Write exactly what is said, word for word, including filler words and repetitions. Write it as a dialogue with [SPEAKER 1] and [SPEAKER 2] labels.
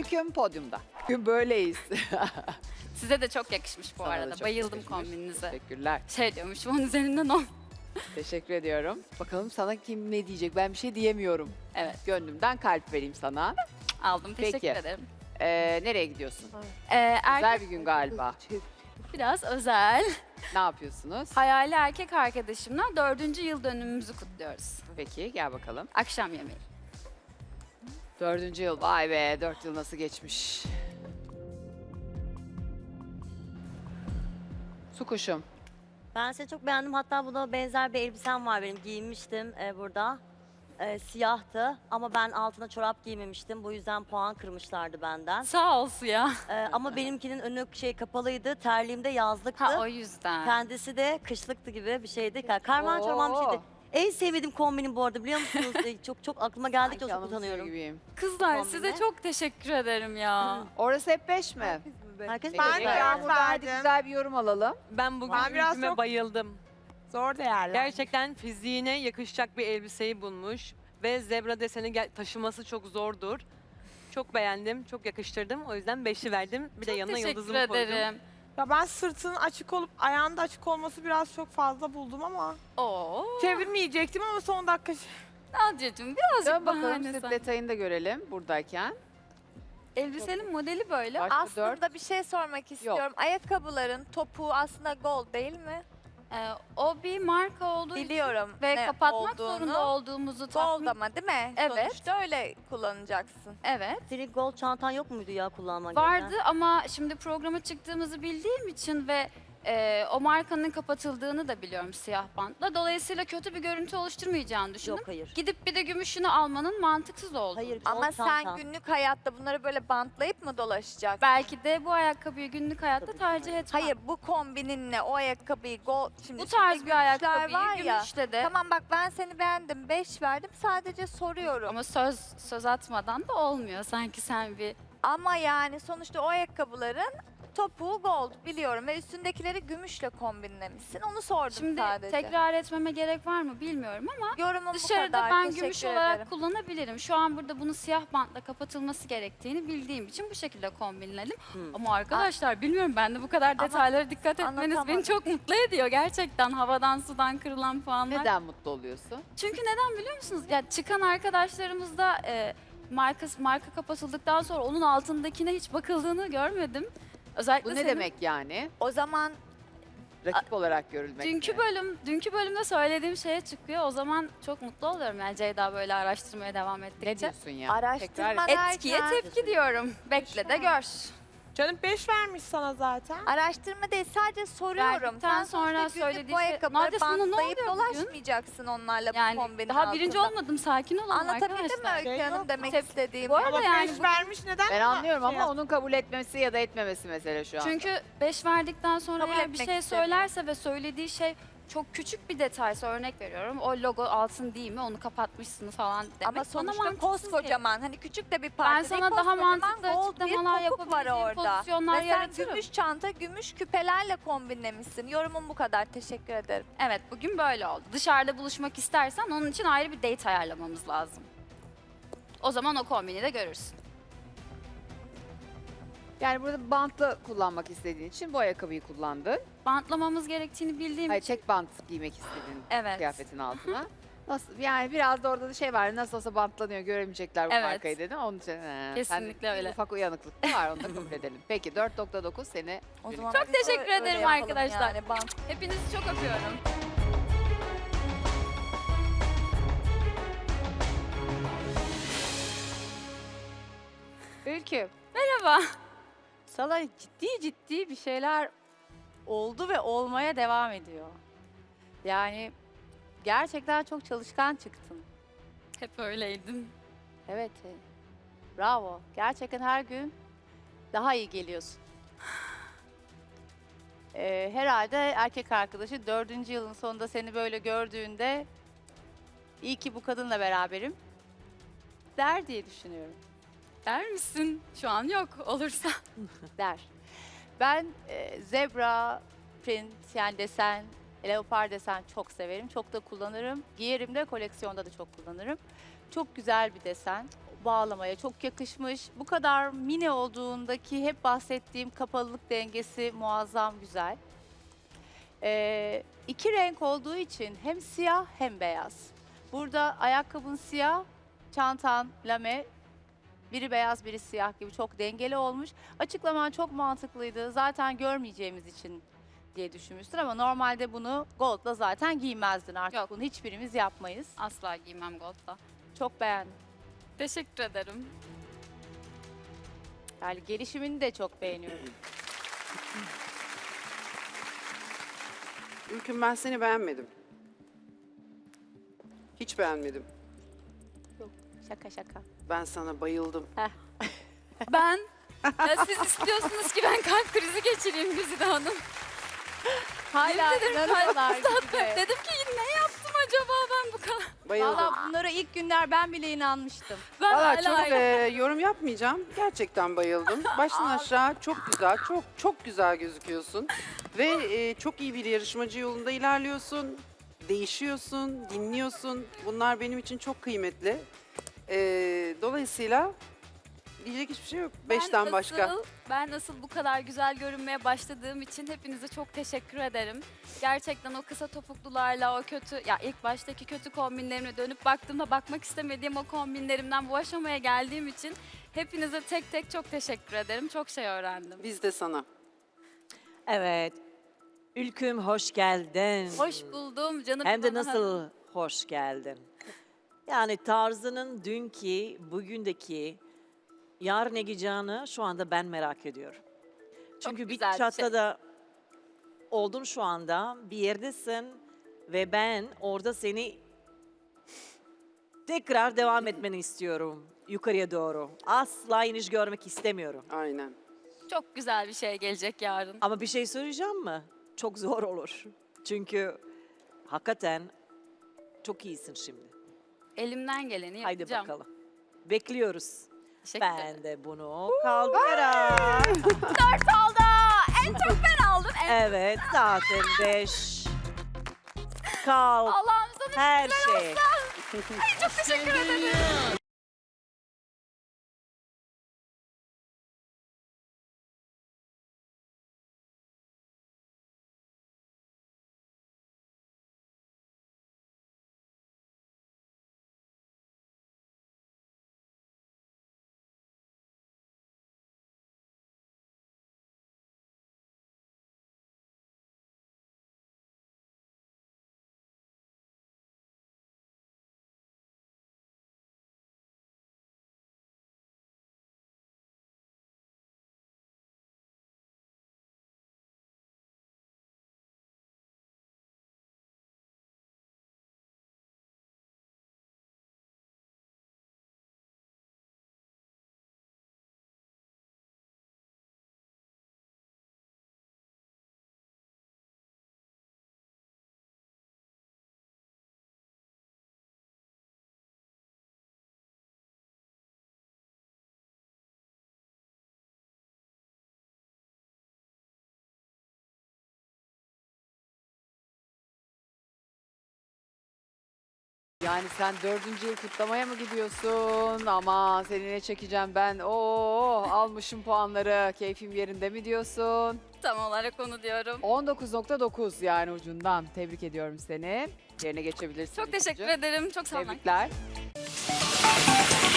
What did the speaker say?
[SPEAKER 1] Öyküm podyumda. Bugün böyleyiz.
[SPEAKER 2] Size de çok yakışmış bu
[SPEAKER 1] Sana da
[SPEAKER 2] arada.
[SPEAKER 1] çok
[SPEAKER 2] Bayıldım
[SPEAKER 1] yakışmış.
[SPEAKER 2] kombininize.
[SPEAKER 1] Teşekkürler.
[SPEAKER 2] Şey diyormuşum, on üzerinden on.
[SPEAKER 1] Teşekkür ediyorum. Bakalım sana kim ne diyecek? Ben bir şey diyemiyorum.
[SPEAKER 2] Evet,
[SPEAKER 1] Gönlümden kalp vereyim sana.
[SPEAKER 2] aldım. Teşekkür
[SPEAKER 1] Peki.
[SPEAKER 2] ederim.
[SPEAKER 1] Ee, nereye gidiyorsun?
[SPEAKER 2] Ee,
[SPEAKER 1] Güzel
[SPEAKER 2] erkek
[SPEAKER 1] bir gün galiba.
[SPEAKER 2] biraz özel.
[SPEAKER 1] Ne yapıyorsunuz?
[SPEAKER 2] Hayali erkek arkadaşımla dördüncü yıl dönümümüzü kutluyoruz.
[SPEAKER 1] Peki gel bakalım.
[SPEAKER 2] Akşam yemeği.
[SPEAKER 1] Dördüncü yıl. Vay be, dört yıl nasıl geçmiş. Su kuşum.
[SPEAKER 3] Ben seni çok beğendim. Hatta buna benzer bir elbisem var benim. Giyinmiştim e, burada. E, siyahtı ama ben altına çorap giymemiştim. Bu yüzden puan kırmışlardı benden.
[SPEAKER 2] Sağ olsun ya.
[SPEAKER 3] E, ama benimkinin önü şey kapalıydı. Terliğimde yazlıktı.
[SPEAKER 2] Ha o yüzden.
[SPEAKER 3] Kendisi de kışlıktı gibi bir şeydi. Karman çorman bir
[SPEAKER 1] Oo.
[SPEAKER 3] şeydi. En sevmediğim kombinim bu arada biliyor musunuz? E, çok çok aklıma geldikçe
[SPEAKER 1] Sanki
[SPEAKER 3] çok
[SPEAKER 1] anımsıyor
[SPEAKER 3] utanıyorum.
[SPEAKER 1] gibiyim.
[SPEAKER 2] Kızlar
[SPEAKER 3] Kombine.
[SPEAKER 2] size çok teşekkür ederim ya.
[SPEAKER 1] Orası hep beş mi?
[SPEAKER 3] Herkes
[SPEAKER 1] Peki,
[SPEAKER 4] Ben
[SPEAKER 3] böyle
[SPEAKER 4] de
[SPEAKER 1] Yağmur'dan hadi
[SPEAKER 4] verdim.
[SPEAKER 1] güzel bir yorum alalım.
[SPEAKER 5] Ben bugün
[SPEAKER 4] Ben biraz
[SPEAKER 5] ülküme
[SPEAKER 4] çok-
[SPEAKER 5] bayıldım.
[SPEAKER 4] Zor değerler.
[SPEAKER 5] Gerçekten fiziğine yakışacak bir elbiseyi bulmuş. Ve zebra deseni gel- taşıması çok zordur. Çok beğendim, çok yakıştırdım. O yüzden beşi verdim. Bir de
[SPEAKER 2] Çok
[SPEAKER 5] yanına
[SPEAKER 2] teşekkür
[SPEAKER 5] yıldızımı koydum.
[SPEAKER 2] ederim.
[SPEAKER 4] Ya ben sırtının açık olup ayağının da açık olması biraz çok fazla buldum ama
[SPEAKER 2] Oo.
[SPEAKER 4] çevirmeyecektim ama son dakika
[SPEAKER 2] Nadia'cığım birazcık
[SPEAKER 1] Dön bakalım
[SPEAKER 2] bahane
[SPEAKER 1] sırt
[SPEAKER 2] sen.
[SPEAKER 1] detayını da görelim buradayken.
[SPEAKER 2] Elbisenin modeli böyle.
[SPEAKER 1] Başka
[SPEAKER 6] Aslında
[SPEAKER 1] dört.
[SPEAKER 6] bir şey sormak istiyorum. Ayakkabıların topuğu aslında gold değil mi?
[SPEAKER 2] Ee, o bir marka olduğu için
[SPEAKER 6] Biliyorum
[SPEAKER 2] ve
[SPEAKER 6] ne
[SPEAKER 2] kapatmak
[SPEAKER 6] olduğunu.
[SPEAKER 2] zorunda olduğumuzu
[SPEAKER 6] Gold
[SPEAKER 2] tahmin...
[SPEAKER 6] ama değil mi?
[SPEAKER 2] Evet.
[SPEAKER 6] Sonuçta öyle kullanacaksın.
[SPEAKER 2] Evet.
[SPEAKER 3] Senin gold çantan yok muydu ya kullanman
[SPEAKER 2] Vardı
[SPEAKER 3] gereken?
[SPEAKER 2] ama şimdi programa çıktığımızı bildiğim için ve e, o markanın kapatıldığını da biliyorum siyah bantla. Dolayısıyla kötü bir görüntü oluşturmayacağını düşündüm.
[SPEAKER 3] Yok hayır.
[SPEAKER 2] Gidip bir de gümüşünü almanın mantıksız olduğunu.
[SPEAKER 3] Hayır gold
[SPEAKER 6] Ama sen
[SPEAKER 3] çantan.
[SPEAKER 6] günlük hayatta bunları böyle bantlayıp mı dolaşacaksın?
[SPEAKER 2] Belki de bu ayakkabıyı günlük hayatta
[SPEAKER 3] Tabii ki.
[SPEAKER 2] tercih etmem.
[SPEAKER 6] Hayır bu kombininle o ayakkabıyı gold şimdi
[SPEAKER 2] Bu
[SPEAKER 6] üstünde
[SPEAKER 2] tarz bir
[SPEAKER 6] gümüşler
[SPEAKER 2] ayakkabıyı
[SPEAKER 6] var ya.
[SPEAKER 2] gümüşle de
[SPEAKER 6] Tamam bak ben seni beğendim. Beş verdim. Sadece soruyorum. Ama,
[SPEAKER 2] ama söz söz atmadan da olmuyor. Sanki sen bir
[SPEAKER 6] yani sonuçta o ayakkabıların topuğu gold biliyorum ve üstündekileri gümüşle kombinlemişsin. Onu sordum
[SPEAKER 2] şimdi
[SPEAKER 6] sadece.
[SPEAKER 2] tekrar etmeme gerek var mı bilmiyorum ama
[SPEAKER 6] Yorumum bu
[SPEAKER 2] dışarıda
[SPEAKER 6] kadar.
[SPEAKER 2] ben
[SPEAKER 6] Teşekkür
[SPEAKER 2] gümüş
[SPEAKER 6] ederim.
[SPEAKER 2] olarak kullanabilirim. Şu an burada bunu siyah bantla kapatılması gerektiğini bildiğim için bu şekilde kombinledim.
[SPEAKER 3] Hmm.
[SPEAKER 2] Ama arkadaşlar bilmiyorum ben de bu kadar
[SPEAKER 6] Ama
[SPEAKER 2] detaylara dikkat etmeniz beni
[SPEAKER 6] anlatamadım.
[SPEAKER 2] çok mutlu ediyor gerçekten havadan sudan kırılan puanlar.
[SPEAKER 1] Neden mutlu oluyorsun?
[SPEAKER 2] Çünkü neden biliyor musunuz? Ya çıkan arkadaşlarımız da e, marka marka kapatıldıktan sonra onun altındakine hiç bakıldığını görmedim. Özellikle
[SPEAKER 1] Bu ne
[SPEAKER 2] senin
[SPEAKER 1] demek yani?
[SPEAKER 6] O zaman
[SPEAKER 1] Rakip olarak görülmek
[SPEAKER 2] Dünkü
[SPEAKER 1] mi?
[SPEAKER 2] bölüm, dünkü bölümde söylediğim şeye çıkıyor. O zaman çok mutlu oluyorum yani Ceyda böyle araştırmaya devam ettikçe.
[SPEAKER 1] Ne diyorsun ya?
[SPEAKER 6] araştırma
[SPEAKER 2] Etkiye
[SPEAKER 6] derken
[SPEAKER 2] tepki diyorum. Bekle de gör.
[SPEAKER 4] canım beş vermiş sana zaten.
[SPEAKER 6] araştırma değil sadece soruyorum.
[SPEAKER 2] Verdikten
[SPEAKER 6] Sen
[SPEAKER 2] sonra
[SPEAKER 6] sonuçta günlük
[SPEAKER 2] söylediği
[SPEAKER 6] bu
[SPEAKER 2] şey-
[SPEAKER 6] ayakkabıları
[SPEAKER 2] Nadia, sana ne
[SPEAKER 6] bantlayıp
[SPEAKER 2] oluyor bugün?
[SPEAKER 6] dolaşmayacaksın onlarla
[SPEAKER 2] Yani
[SPEAKER 6] bu kombinin
[SPEAKER 2] daha birinci
[SPEAKER 6] altında.
[SPEAKER 2] olmadım. Sakin olun
[SPEAKER 6] Anlatabildim mi
[SPEAKER 2] arkadaşlar.
[SPEAKER 6] Öykü
[SPEAKER 4] Şey
[SPEAKER 6] Hanım
[SPEAKER 4] yok.
[SPEAKER 6] demek
[SPEAKER 2] Tep-
[SPEAKER 6] istediğimi?
[SPEAKER 2] Bu arada
[SPEAKER 4] Ama
[SPEAKER 2] yani
[SPEAKER 4] beş
[SPEAKER 2] bu-
[SPEAKER 4] vermiş neden?
[SPEAKER 1] Ben anlıyorum
[SPEAKER 4] şey
[SPEAKER 1] ama onun kabul etmesi ya da etmemesi mesele şu an.
[SPEAKER 2] Çünkü beş verdikten sonra
[SPEAKER 6] Kabul
[SPEAKER 2] eğer bir
[SPEAKER 6] etmek
[SPEAKER 2] şey
[SPEAKER 6] istemiyorum.
[SPEAKER 2] söylerse ve söylediği şey çok küçük bir detaysa örnek veriyorum. O logo altın değil mi? Onu kapatmışsınız falan demek.
[SPEAKER 6] Ama
[SPEAKER 2] bana
[SPEAKER 6] sonuçta
[SPEAKER 2] mantıksız
[SPEAKER 6] koskocaman hani küçük de bir parça
[SPEAKER 2] Ben
[SPEAKER 6] değil,
[SPEAKER 2] sana daha
[SPEAKER 6] koskocaman
[SPEAKER 2] mantıklı
[SPEAKER 6] gold bir
[SPEAKER 2] açıklamalar
[SPEAKER 6] topuk var
[SPEAKER 2] yapabileceğim
[SPEAKER 6] orada.
[SPEAKER 2] pozisyonlar
[SPEAKER 6] Ve sen
[SPEAKER 2] yaratırım.
[SPEAKER 6] gümüş çanta, gümüş küpelerle kombinlemişsin. Yorumum bu kadar. Teşekkür ederim.
[SPEAKER 2] Evet bugün böyle oldu. Dışarıda buluşmak istersen onun için ayrı bir date ayarlamamız lazım. O zaman o kombini de görürsün.
[SPEAKER 1] Yani burada bantlı kullanmak istediğin için bu ayakkabıyı kullandın.
[SPEAKER 2] Bantlamamız gerektiğini bildiğim
[SPEAKER 1] Hayır,
[SPEAKER 2] için.
[SPEAKER 1] tek bant giymek istedin
[SPEAKER 2] Evet.
[SPEAKER 1] kıyafetin altına. Nasıl yani biraz da orada da şey var. Nasıl olsa bantlanıyor, göremeyecekler bu
[SPEAKER 2] Evet.
[SPEAKER 1] markayı dedim. Onun için he,
[SPEAKER 2] Kesinlikle
[SPEAKER 1] sende bir
[SPEAKER 2] öyle.
[SPEAKER 1] ufak uyanıklık da var. Onu da kabul edelim. Peki dört nokta dokuz seni
[SPEAKER 6] O
[SPEAKER 1] Çok
[SPEAKER 6] zaman
[SPEAKER 2] Çok
[SPEAKER 6] biz
[SPEAKER 2] teşekkür
[SPEAKER 6] öyle
[SPEAKER 2] ederim
[SPEAKER 6] yapalım
[SPEAKER 2] arkadaşlar.
[SPEAKER 6] Yani. Bant
[SPEAKER 2] Hepinizi çok öpüyorum.
[SPEAKER 7] Ülkü,
[SPEAKER 2] Merhaba.
[SPEAKER 7] sana ciddi ciddi bir şeyler oldu ve olmaya devam ediyor. Yani gerçekten çok çalışkan çıktın.
[SPEAKER 2] Hep öyleydin.
[SPEAKER 7] Evet, e, bravo. Gerçekten her gün daha iyi geliyorsun. Ee, herhalde erkek arkadaşı dördüncü yılın sonunda seni böyle gördüğünde iyi ki bu kadınla beraberim der diye düşünüyorum.
[SPEAKER 2] Der misin? Şu an yok. Olursa.
[SPEAKER 7] Der. Ben e, zebra, print yani desen, leopar desen çok severim. Çok da kullanırım. Giyerim de koleksiyonda da çok kullanırım. Çok güzel bir desen. bağlamaya çok yakışmış. Bu kadar mini olduğundaki hep bahsettiğim kapalılık dengesi muazzam güzel. Ee, iki renk olduğu için hem siyah hem beyaz. Burada ayakkabın siyah, çantan lame, biri beyaz biri siyah gibi çok dengeli olmuş. Açıklaman çok mantıklıydı. Zaten görmeyeceğimiz için diye düşünmüştür ama normalde bunu gold'la zaten giymezdin artık.
[SPEAKER 2] Yok.
[SPEAKER 7] Bunu hiçbirimiz yapmayız.
[SPEAKER 2] Asla giymem gold'la.
[SPEAKER 7] Çok beğendim.
[SPEAKER 2] Teşekkür ederim.
[SPEAKER 7] Yani gelişimini de çok beğeniyorum.
[SPEAKER 8] Ülküm, ben seni beğenmedim. Hiç beğenmedim.
[SPEAKER 7] Şaka şaka.
[SPEAKER 8] Ben sana bayıldım.
[SPEAKER 2] Ben, ya siz istiyorsunuz ki ben kalp krizi geçireyim Güzide Hanım.
[SPEAKER 7] Hala inanıyorlar gibi.
[SPEAKER 2] Dedim ki ne yaptım acaba ben bu kadar?
[SPEAKER 8] Bayıldım.
[SPEAKER 7] Valla bunlara ilk günler ben bile inanmıştım.
[SPEAKER 2] Ben
[SPEAKER 8] Valla
[SPEAKER 2] hala
[SPEAKER 8] çok e, yorum yapmayacağım. Gerçekten bayıldım. Baştan aşağı çok güzel, çok çok güzel gözüküyorsun. Ve e, çok iyi bir yarışmacı yolunda ilerliyorsun. Değişiyorsun, dinliyorsun. Bunlar benim için çok kıymetli. E, dolayısıyla diyecek hiçbir şey yok.
[SPEAKER 2] Ben
[SPEAKER 8] Beşten
[SPEAKER 2] nasıl-
[SPEAKER 8] başka.
[SPEAKER 2] Ben nasıl bu kadar güzel görünmeye başladığım için hepinize çok teşekkür ederim. Gerçekten o kısa topuklularla o kötü, ya ilk baştaki kötü kombinlerime dönüp baktığımda bakmak istemediğim o kombinlerimden bu aşamaya geldiğim için hepinize tek tek çok teşekkür ederim. Çok şey öğrendim.
[SPEAKER 8] Biz de sana.
[SPEAKER 9] Evet. Ülküm hoş geldin.
[SPEAKER 2] Hoş buldum canım.
[SPEAKER 9] Hem de
[SPEAKER 2] İvan Hanım.
[SPEAKER 9] nasıl hoş geldin. Yani tarzının dünkü, bugündeki, yarın ne giyeceğini şu anda ben merak ediyorum. Çünkü bir
[SPEAKER 2] güzel bir şey.
[SPEAKER 9] çatada oldun şu anda, bir yerdesin ve ben orada seni tekrar devam etmeni istiyorum yukarıya doğru. Asla iniş görmek istemiyorum.
[SPEAKER 8] Aynen.
[SPEAKER 2] Çok güzel bir şey gelecek yarın.
[SPEAKER 9] Ama bir şey söyleyeceğim mi? Çok zor olur. Çünkü hakikaten çok iyisin şimdi.
[SPEAKER 2] Elimden geleni
[SPEAKER 9] Haydi
[SPEAKER 2] yapacağım.
[SPEAKER 9] bakalım. Bekliyoruz.
[SPEAKER 2] Teşekkür ederim.
[SPEAKER 9] Ben de bunu kaldırarak.
[SPEAKER 2] Dört oldu. En çok ben aldım. En...
[SPEAKER 9] Evet zaten beş. Kalk.
[SPEAKER 2] Allah'ım sana
[SPEAKER 9] Her şey.
[SPEAKER 2] çok teşekkür ederim.
[SPEAKER 1] Yani sen dördüncü yıl kutlamaya mı gidiyorsun? Ama seni ne çekeceğim ben? Oo, almışım puanları. Keyfim yerinde mi diyorsun?
[SPEAKER 2] Tam olarak onu diyorum.
[SPEAKER 1] on dokuz nokta dokuz yani ucundan. Tebrik ediyorum seni. Yerine geçebilirsin.
[SPEAKER 2] Çok teşekkür
[SPEAKER 1] İlknur'cum.
[SPEAKER 2] ederim. Çok sağ olun.
[SPEAKER 1] Tebrikler.